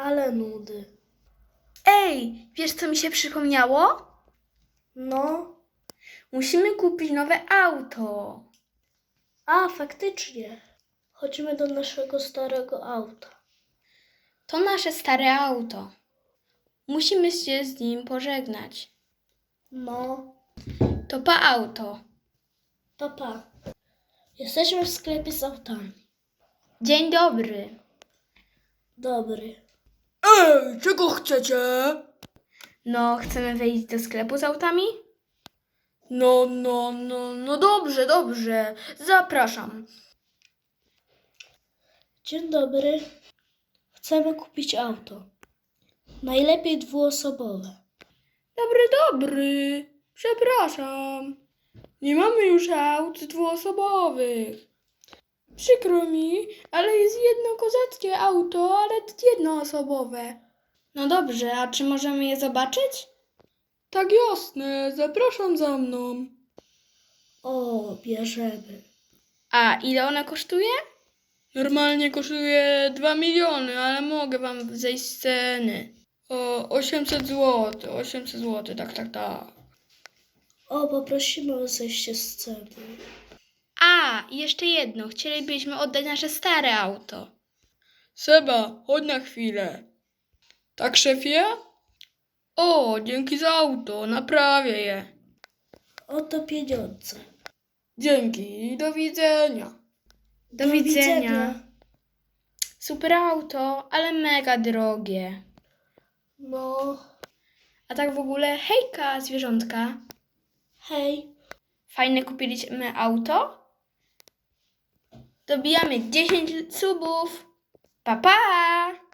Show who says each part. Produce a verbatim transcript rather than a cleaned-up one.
Speaker 1: Ale nudy.
Speaker 2: Ej, wiesz co mi się przypomniało?
Speaker 1: No,
Speaker 2: Musimy kupić nowe auto.
Speaker 1: a faktycznie. Chodźmy do naszego starego auta.
Speaker 2: To nasze stare auto. Musimy się z nim pożegnać.
Speaker 1: No,
Speaker 2: To pa auto.
Speaker 1: to pa. Jesteśmy w sklepie z autami.
Speaker 2: Dzień dobry.
Speaker 1: Dobry.
Speaker 3: Ej, czego chcecie?
Speaker 2: No, chcemy wejść do sklepu z autami?
Speaker 3: No, no, no, no dobrze, dobrze. Zapraszam.
Speaker 1: Dzień dobry. Chcemy kupić auto. Najlepiej dwuosobowe.
Speaker 3: Dobry, dobry. Przepraszam. Nie mamy już aut dwuosobowych. Przykro mi, ale jest jedno kozackie auto, ale jednoosobowe.
Speaker 2: No dobrze, a czy możemy je zobaczyć?
Speaker 3: Tak jasne, zapraszam za mną.
Speaker 1: O, bierzemy.
Speaker 2: A ile one kosztuje?
Speaker 3: Normalnie kosztuje dwa miliony, ale mogę wam zejść z ceny. O osiemset złotych, osiemset złotych, tak, tak, tak.
Speaker 1: O, poprosimy o zejście z ceny.
Speaker 2: A, i jeszcze jedno. Chcielibyśmy oddać nasze stare auto.
Speaker 3: Seba, chodź na chwilę. Tak, szefie? O, dzięki za auto, naprawię je.
Speaker 1: Oto pieniądze.
Speaker 3: Dzięki i do widzenia.
Speaker 2: Do, widzenia. Super auto, ale mega drogie.
Speaker 1: No,
Speaker 2: A tak w ogóle, hejka, zwierzątka.
Speaker 1: hej.
Speaker 2: Fajne kupiliśmy auto? Dobijamy dziesięć subów. Pa, pa!